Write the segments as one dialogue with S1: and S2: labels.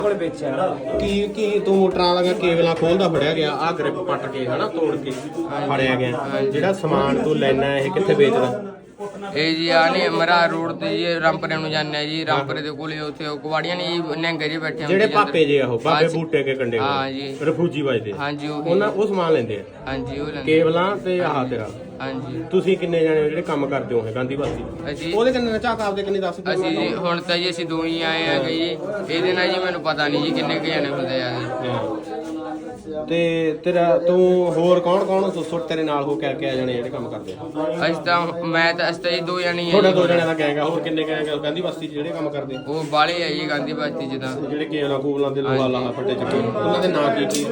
S1: ਕੋਲ ਵੇਚਿਆ
S2: ਕੀ ਤੂੰ ਮੋਟਰਾਂ ਵਾਲਾ ਕੇਬਲਾਂ ਖੋਲਦਾ ਫੜਿਆ ਗਿਆ ਆ ਗ੍ਰਿਪ ਪੱਟ ਕੇ ਹਨਾ ਤੋੜ ਕੇ ਫੜਿਆ ਗਿਆ ਜਿਹੜਾ ਸਮਾਨ ਤੂੰ ਲੈਣਾ ਇਹ ਕਿੱਥੇ ਵੇਚਦਾ
S3: ਇਹ ਜੀ ਆ ਨੇ ਮਰਾ ਰੋਡ ਤੇ ਜੀ ਰਾਮਪੁਰੇ ਨੂੰ ਜਾਂਦੇ ਜੀ ਰਾਮਪੁਰੇ ਦੇ ਕੋਲੇ ਉੱਥੇ ਕੁਵਾੜੀਆਂ ਨੇ ਨਹਿੰਗੇ ਜੀ ਬੈਠੇ
S2: ਜਿਹੜੇ ਪਾਪੇ ਜੇ ਉਹ ਬਾਬੇ ਬੂਟੇ ਕੇ ਕੰਡੇ
S3: ਹਾਂ ਜੀ
S2: ਰਫੂਜੀ ਵੱਜਦੇ
S3: ਹਾਂਜੀ
S2: ਉਹ ਸਮਾਨ ਲੈਂਦੇ ਆ
S3: ਹਾਂਜੀ ਉਹ ਲੈਂਦੇ
S2: ਕੇਬਲਾਂ ਤੇ ਆਹ ਤੇਰਾ
S3: ਹਾਂਜੀ
S2: ਤੁਸੀਂ ਕਿੰਨੇ ਜਾਣੇ ਜਿਹੜੇ ਕੰਮ ਕਰਦੇ ਹੋ ਗਾਂਧੀ ਬਸਤੀ
S3: ਅਸੀਂ
S2: ਉਹਦੇ ਕਿੰਨੇ ਝਾਕ ਆਪਦੇ ਕਿੰਨੇ ਦੱਸ
S3: ਅਸੀਂ ਜੀ ਹੁਣ ਤਾਂ ਜੀ ਅਸੀਂ ਦੋ ਹੀ ਆਏ ਆ ਜੀ ਇਹਦੇ ਨਾਲ ਜੀ ਮੈਨੂੰ ਪਤਾ ਨਹੀਂ ਜੀ ਕਿੰਨੇ ਕੁ ਜਾਣੇ ਹੁੰਦੇ ਆ ਜੀ
S2: ਤੇ ਤੇਰਾ ਤੂੰ ਹੋਰ ਕੌਣ ਸੁੱਟ ਤੇਰੇ ਨਾਲ ਹੋ ਕੇ ਆ ਜਾਣੇ ਜਿਹੜੇ ਕੰਮ ਕਰਦੇ ਆ
S3: ਅਸੀਂ ਤਾਂ ਜੀ ਦੋ ਜਾਣੇ ਆ
S2: ਤੁਹਾਡਾ ਦੋ ਜਣਿਆਂ ਦਾ ਗੈਂਗ ਆ ਹੋਰ ਕਿੰਨੇ ਗੈਂਗ ਆ ਗਾਂਧੀ ਬਸਤੀ ਚ ਜਿਹੜੇ ਕੰਮ ਕਰਦੇ
S3: ਉਹ ਬਾਲੇ ਆ ਜੀ ਗਾਂਧੀ ਬਸਤੀ ਚ ਤਾਂ
S2: ਜਿਹੜੇ ਕੇਬਲਾਂ ਕੂਬਲਾਂ ਦੇ ਲੋਹਾ ਲਾਹਾ ਫੱਟੇ ਚੱਕੇ ਉਹਨਾਂ ਦੇ ਨਾਂ ਕੀ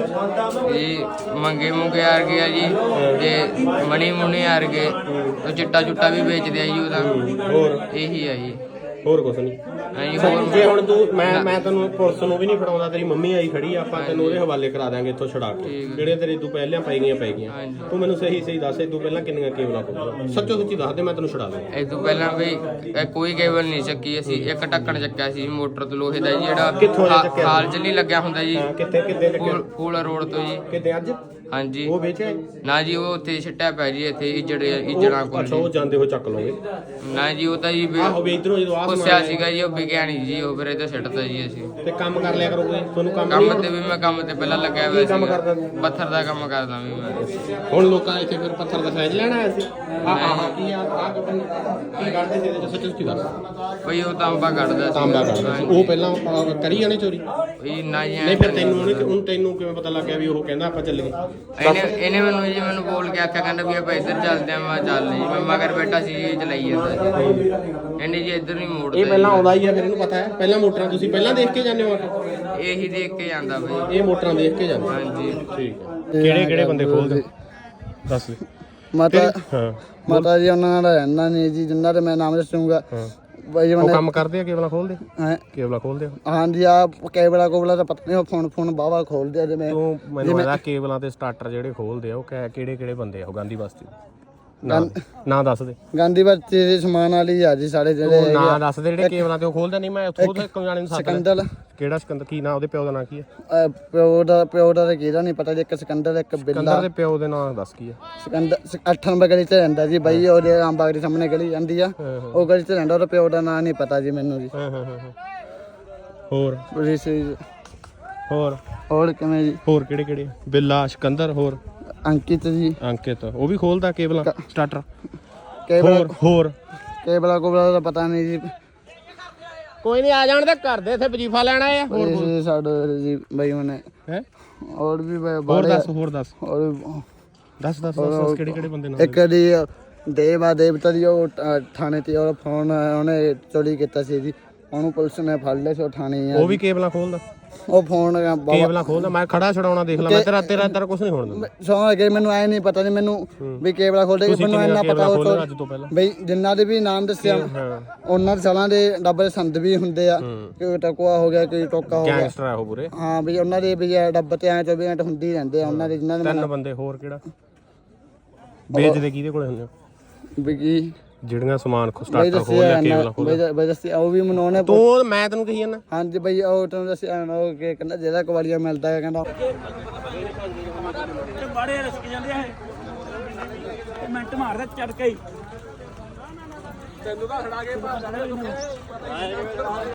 S3: ਇਹ ਮੰਗੇ ਮੁੰਗੇ ਆ ਗਏ ਆ ਜੀ ਤੇ ਮਣੀ ਮੁੰਨੇ ਆ ਗਏ ਉਹ ਚਿੱਟਾ ਵੀ ਵੇਚਦੇ ਆ ਜੀ ਉਹਦਾ
S2: ਹੋਰ
S3: ਇਹੀ ਆ ਜੀ
S2: ਹੋਰ ਕੁਛ ਨਹੀਂ ਜੇ ਹੁਣ ਤੂੰ ਮੈਂ ਤੈਨੂੰ ਪੁਲਿਸ ਨੂੰ ਵੀ ਨਹੀਂ ਫੜਾਉਂਦਾ ਤੇਰੀ ਮੰਮੀ ਆਈ ਖੜੀ ਆ ਆਪਾਂ ਤੈਨੂੰ ਉਹਦੇ ਹਵਾਲੇ ਕਰਾ ਦਾਂਗੇ ਇੱਥੋਂ ਛੁਡਾ ਕੇ ਜਿਹੜੇ ਤੇਰੇ ਤੂੰ ਪਹਿਲਾਂ ਪੈ ਗਈਆਂ ਤੂੰ ਮੈਨੂੰ ਸਹੀ ਦੱਸ ਤੂੰ ਪਹਿਲਾਂ ਕਿੰਨੀਆਂ ਕੇਬਲਾਂ ਖੋਲੀਆਂ ਸੱਚੀ ਦੱਸ ਦੇ ਮੈਂ ਤੈਨੂੰ ਛੁਡਾ ਦਾਂ
S3: ਇਹ ਤੋਂ ਪਹਿਲਾਂ ਵੀ ਕੋਈ ਕੇਬਲ ਨਹੀਂ ਚੱਕੀ ਅਸੀਂ ਇੱਕ ਢੱਕਣ ਚੱਕਿਆ ਸੀ ਮੋਟਰ ਤੋਂ ਲੋਹੇ ਦਾ ਜਿਹੜਾ ਹਾਲ ਚ ਨਹੀਂ ਲੱਗਿਆ ਹੁੰਦਾ ਜੀ
S2: ਕਿੱਥੇ
S3: ਫੂਲ ਰੋਡ ਤੋਂ ਜੀ
S2: ਕਿਤੇ ਅੱਜ
S3: ਹਾਂਜੀ
S2: ਉਹ ਵੇਚਿਆ
S3: ਨਾ ਜੀ ਉਹ ਉੱਥੇ ਛੱਟਿਆ ਪੈ ਜੀ ਇੱਥੇ ਇੱਜੜਾ ਕੋਲ
S2: ਅੱਛਾ ਉਹ ਜਾਂਦੇ ਹੋ ਚੱਕ ਲਓਗੇ
S3: ਨਾ ਜੀ ਉਹ ਤਾਂ ਜੀ
S2: ਆਹੋ ਵੀ ਇਧਰੋਂ ਜਦੋਂ
S3: ਪੁੱਛਿਆ ਸੀਗਾ ਜੀ ਉਹ ਵਿਗਿਆ ਨਹੀਂ ਜੀ ਉਹ ਫਿਰ ਇਹ ਤਾਂ ਛੱਡਤਾ ਜੀ ਅਸੀਂ
S2: ਤੇ ਕੰਮ ਕਰ ਲਿਆ ਕਰੋਗੇ ਤੁਹਾਨੂੰ
S3: ਕੰਮ ਤੇ ਵੀ ਮੈਂ ਕੰਮ ਤੇ ਪਹਿਲਾਂ ਲੱਗਿਆ ਹੋਇਆ
S2: ਕੰਮ
S3: ਸੀ
S2: ਕਰਦਾ
S3: ਪੱਥਰ ਦਾ ਕੰਮ ਕਰਦਾ ਵੀ ਮੈਂ
S2: ਹੁਣ ਲੋਕਾਂ ਇੱਥੇ ਫਿਰ ਪੱਥਰ ਦਾ ਸਾਈਜ਼ ਲੈਣਾ ਆਇਆ ਸੀ ਕੀ ਕਰਦੇ ਸੀ ਇਹਦੇ ਚ ਸੱਚੀ ਦੱਸ
S3: ਬਈ ਉਹ ਤਾਂਬਾ ਕੱਢਦਾ
S2: ਤਾਂਬਾ ਕੱਢਦਾ ਸੀ ਉਹ ਪਹਿਲਾਂ ਕਰੀ ਜਾਣੇ ਚੋਰੀ
S3: ਇਹ ਨਾ ਜੀ
S2: ਨਹੀਂ ਫਿਰ ਤੈਨੂੰ ਕਿਵੇਂ ਪਤਾ ਲੱਗਿਆ ਵੀ ਉਹ ਕਹਿੰਦਾ ਆਪਾਂ ਚੱਲੀਏ
S3: ਇਹਨੇ ਮੈਨੂੰ ਬੋਲ ਕੇ ਆਖਿਆ ਕਹਿੰਦਾ ਵੀ ਆਪਾਂ ਇੱਧਰ ਚੱਲਦੇ ਆ ਮੈਂ ਚੱਲ ਜੀ ਮੈਂ ਮਗਰ ਬੈਠਾ ਸੀ ਇਹ ਚਲਾਈ ਜਾਂਦਾ ਜੀ ਇਹਨੇ ਜੀ ਇੱਧਰ ਨਹੀਂ ਮੋੜਦਾ
S2: ਇਹ ਪਹਿਲਾਂ ਆਉਂਦਾ ਹੀ ਆ ਫਿਰ ਇਹਨੂੰ ਪਤਾ ਹੈ ਪਹਿਲਾਂ ਮੋਟਰਾਂ ਤੁਸੀਂ ਪਹਿਲਾਂ ਦੇਖ ਕੇ ਜਾਂਦੇ ਹੋ
S3: ਇਹੀ ਦੇਖ ਕੇ ਜਾਂਦਾ ਬਈ
S2: ਇਹ ਮੋਟਰਾਂ ਦੇਖ ਕੇ ਜਾਂਦੇ
S3: ਹਾਂਜੀ
S2: ਠੀਕ ਹੈ ਕਿਹੜੇ ਬੰਦੇ ਖੋਲਦੇ ਦੱਸ
S1: ਮਾਤਾ ਜੀ ਉਹਨਾਂ ਦਾ ਰਹਿਣਾ ਨਹੀਂ ਜੀ ਜਿੰਨਾ ਤੇ ਮੈਂ ਨਾਮ ਦੱਸੂਗਾ ਬਾਈ
S2: ਉਹ ਕੰਮ ਕਰਦੇ ਆ ਕੇਬਲਾਂ ਖੋਲਦੇ ਕੇਬਲਾਂ ਖੋਲਦੇ
S1: ਹਾਂਜੀ ਆ ਕੇਬਲਾ ਤਾਂ ਪਤਾ ਨਹੀਂ ਫੋਨ ਬਾਵਾ ਖੋਲਦੇ ਆ ਜਿਵੇਂ
S2: ਤੂੰ ਮੈਨੂੰ ਇਹਦਾ ਕੇਬਲਾਂ ਤੇ ਸਟਾਰਟਰ ਜਿਹੜੇ ਖੋਲਦੇ ਆ ਉਹ ਕਿਹੜੇ ਬੰਦੇ ਆ ਉਹ ਗਾਂਧੀ ਬਸਤੀ ਨਾ ਦੱਸ ਦੇ
S1: ਗਾਂਧੀ ਬਸਤੀ ਦੇ ਸਮਾਨ ਵਾਲੀ ਆ ਜੀ ਸਾਡੇ ਜਿਹੜੇ
S2: ਨਾ ਦੱਸ ਦੇ ਜਿਹੜੇ ਕੇਬਲਾਂ ਤੇ ਉਹ ਖੋਲਦੇ ਨਹੀਂ ਮੈਂ ਉੱਥੋਂ ਇੱਕ ਜਾਣੇ ਨੂੰ
S1: ਸਿਕੰਦਰ
S2: ਕਿਹੜਾ ਸਿਕੰਦਰ ਕੀ ਨਾਂ ਉਹਦੇ ਪਿਓ ਦਾ ਨਾਂ ਕੀ ਹੈ
S1: ਪਿਓ ਦਾ ਤਾਂ ਕਿਹਦਾ ਨਹੀਂ ਪਤਾ ਜੀ ਇੱਕ ਸਿਕੰਦਰ ਇੱਕ ਬਿੱਲਾ
S2: ਸਿਕੰਦਰ ਦੇ ਪਿਓ ਦੇ ਨਾਂ ਦੱਸ ਕੀ ਹੈ
S1: ਸਿਕੰਦਰ 8 ਨੰਬਰ ਗਲੀ 'ਚ ਰਹਿੰਦਾ ਜੀ ਬਾਈ ਉਹਦੇ ਆਮਬਾਗ ਦੇ ਸਾਹਮਣੇ ਗਲੀ ਜਾਂਦੀ ਆ ਉਹ ਗਲੀ 'ਚ ਰਹਿੰਦਾ ਉਹਦਾ ਪਿਓ ਦਾ ਨਾਂ ਨਹੀਂ ਪਤਾ ਜੀ ਮੈਨੂੰ ਜੀ ਹੋਰ ਕਿਵੇਂ ਜੀ
S2: ਹੋਰ ਕਿਹੜੇ ਬਿੱਲਾ ਸਿਕੰਦਰ ਹੋਰ
S1: ਅੰਕਿਤ
S2: ਉਹ ਵੀ ਖੋਲਦਾ ਕੇਬਲਾਂ ਸਟਾਰਟਰ ਹੋਰ
S1: ਕੇਬਲਾ ਦਾ ਪਤਾ ਨਹੀਂ ਜੀ
S2: ਕੋਈ ਨਹੀਂ ਆ ਜਾਣ ਤੇ ਕਰਦੇ ਇੱਥੇ ਵਜੀਫਾ ਲੈਣਾ ਆ
S1: ਹੋਰ ਸਾਡੇ ਜੀ ਬਾਈ ਉਹਨੇ
S2: ਹੈ
S1: ਹੋਰ ਵੀ
S2: ਹੋਰ ਦੱਸ ਕਿਹੜੇ ਬੰਦੇ ਨਾਲ
S1: ਇੱਕ ਦੀ ਦੇਵਤਾ ਦੀ ਉਹ ਥਾਣੇ ਤੇ ਉਹ ਫੋਨ ਉਹਨੇ ਚੋਰੀ ਕੀਤਾ ਸੀ ਜੀ ਉਹਨੂੰ ਪੁਲਿਸ ਨੇ ਫੜ ਲਿਆ ਸੀ ਉਹ ਥਾਣੇ
S2: ਉਹ ਵੀ ਕੇਬਲਾਂ ਖੋਲਦਾ
S1: ਉਹ ਫੋਨ
S2: ਕੇਬਲਾਂ ਖੋਲਦਾ ਮੈਂ ਖੜਾ ਛਡਾਉਣਾ ਦੇਖ ਲਾ ਮੈਂ ਤੇਰਾ ਕੁਝ ਨਹੀਂ ਹੋਣ ਦਿੰਦਾ
S1: ਸੌਂ ਗਏ ਮੈਨੂੰ ਐ ਨਹੀਂ ਪਤਾ ਨਹੀਂ ਮੈਨੂੰ ਵੀ ਕੇਬਲਾ ਖੋਲਦੇ ਮੈਨੂੰ ਇੰਨਾ ਪਤਾ ਉਹ
S2: ਅੱਜ ਤੋਂ ਪਹਿਲਾਂ
S1: ਬਈ ਜਿੰਨਾ ਦੇ ਵੀ ਨਾਮ ਦੱਸਿਆ ਉਹਨਾਂ ਦੇ ਸਾਲਾਂ ਦੇ ਡੱਬੇ ਸੰਦ ਵੀ ਹੁੰਦੇ ਆ ਕੋਈ ਟਕਵਾ ਹੋ ਗਿਆ ਕੋਈ ਟੋਕਾ ਹੋ ਗਿਆ
S2: ਗੈਂਗਸਟਰ ਆ ਉਹ ਪੂਰੇ
S1: ਹਾਂ ਵੀ ਉਹਨਾਂ ਦੇ ਵੀ ਡੱਬੇ ਤੇ ਐ 24 ਘੰਟੇ ਹੁੰਦੇ ਹੀ ਰਹਿੰਦੇ ਆ ਉਹਨਾਂ ਦੇ ਜਿਨ੍ਹਾਂ ਦੇ
S2: 3 ਬੰਦੇ ਹੋਰ ਕਿਹੜਾ ਵੇਚਦੇ ਕਿਹਦੇ ਕੋਲੇ ਹੁੰਦੇ
S1: ਵੀ ਕੀ
S2: ਜਿਹੜੀਆਂ ਸਮਾਨ ਸਟਾਰਟਰ ਖੋਲ ਲਿਆ ਕੇਬਲਾਂ ਖੋਲ
S1: ਬਈ ਦੱਸਿਆ ਉਹ ਵੀ ਮੈਨੂੰ ਉਹਨੇ
S2: ਤੂੰ ਮੈਂ ਤੈਨੂੰ ਕਹੀ ਜਾਂਦਾ
S1: ਹਾਂਜੀ ਬਈ ਉਹ ਤੈਨੂੰ ਦੱਸਿਆ ਉਹ ਕਿ ਕਹਿੰਦਾ ਜਿਹੜਾ ਕਵਾਲੀਆ ਮਿਲਦਾ ਹੈ ਕਹਿੰਦਾ
S4: ਬੜੇ ਰਸਕ ਜਾਂਦੇ ਆ ਇਹ ਮਿੰਟ ਮਾਰਦਾ ਚੜ ਕੇ ਤੈਨੂੰ ਤਾਂ ਖੜਾ ਕੇ